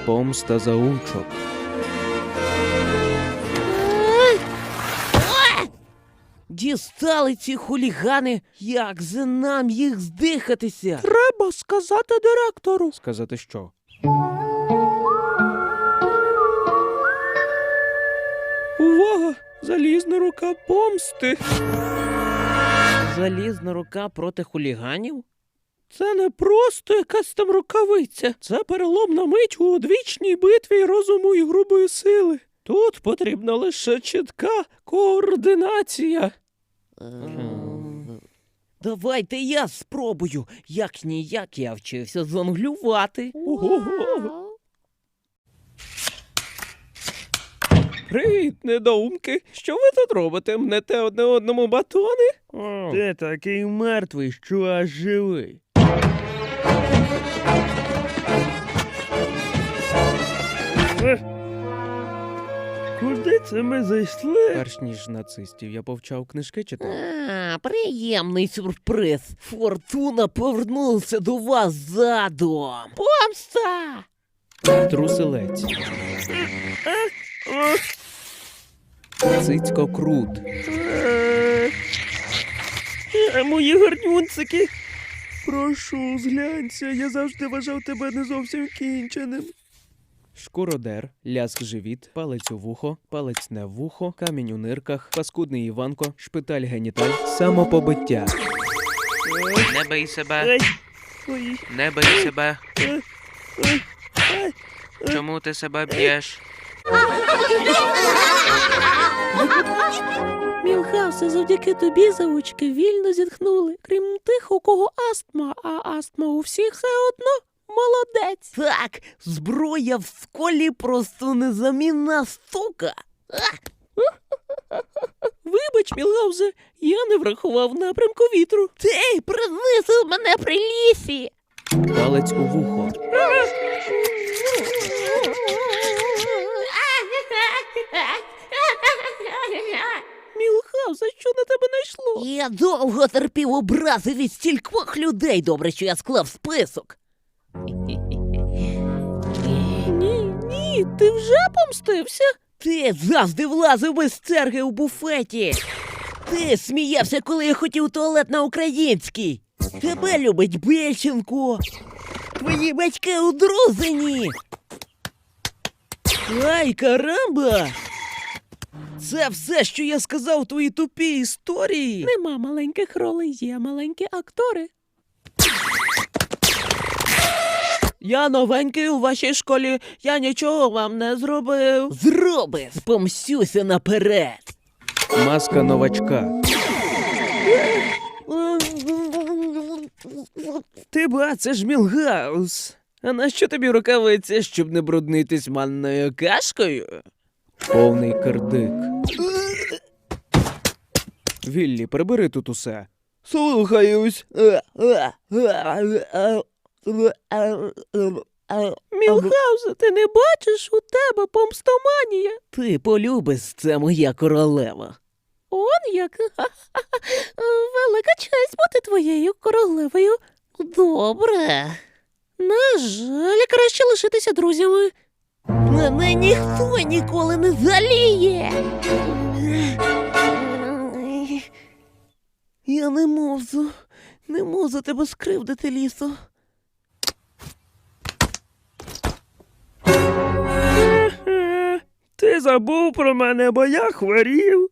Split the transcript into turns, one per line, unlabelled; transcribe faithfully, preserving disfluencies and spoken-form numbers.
Помста заучок.
Дістали ці хулігани, як же нам їх здихатися?
Треба сказати директору.
Сказати що?
Увага! Залізна рука помсти.
Залізна рука проти хуліганів?
Це не просто якась там рукавиця. Це переломна мить у одвічній битві розуму і грубої сили. Тут потрібна лише чітка координація.
Ем, Давайте я спробую. Як ніяк я вчився зонглювати.
Ого-го. Привіт, недоумки. Що ви тут робите? Мнете одне одному батони?
Ти такий мертвий, що аж живий. Куди це ми зайшли? Перш ніж нацистів я повчав книжки читати.
А, приємний сюрприз. Фортуна повернулася до вас задом. Помста!
Труселець. Цицько крут.
Е, Мої гарнюнцики. Прошу, зглянься, я завжди вважав тебе не зовсім кінченим.
Шкуродер, ляск живіт, палець у вухо, палець не в вухо, камінь у нирках, паскудний Іванко, шпиталь геніталь, самопобиття.
Не бий себе,
Ай, ой,
не бий себе.
ай, ай, ай.
Чому ти себе б'єш?
Мілхаусе, завдяки тобі заучки вільно зітхнули. Крім тих, у кого астма, а астма у всіх все одно. Молодець.
Так, зброя в школі просто незамінна штука.
Вибач, Мілхаусе, я не врахував напрямку вітру.
Ти принизив мене при лісі.
Палець у вухо.
Мілхаусе, що на тебе найшло?
Я довго терпів образи від стількох людей. Добре, що я склав список.
Ні, ні, ти вже помстився?
Ти завжди влазив без черги у буфеті. Ти сміявся, коли я хотів туалет на український. Тебе любить Бельченко. Твої батьки одрузені. Ай, карамба! Це все, що я сказав у твоїй тупій історії.
Нема маленьких ролей, є маленькі актори. Я новенький у вашій школі, я нічого вам не зробив.
Зробив! Помстюся наперед.
Маска новачка.
Ти ба, це ж Мілгаус. А нащо тобі рукавиці, щоб не бруднитись манною кашкою?
Повний кирдик. Віллі, прибери тут усе.
Слухаюсь.
Мілхаусе, ти не бачиш, у тебе помстоманія.
Ти полюбиш, це моя королева.
Он як. Велика честь бути твоєю королевою.
Добре.
На жаль, краще лишитися друзями.
Мене ніхто ніколи не заліє. Я не можу, не можу тебе скривдити, лісо.
Ти забув про мене, бо я хворів.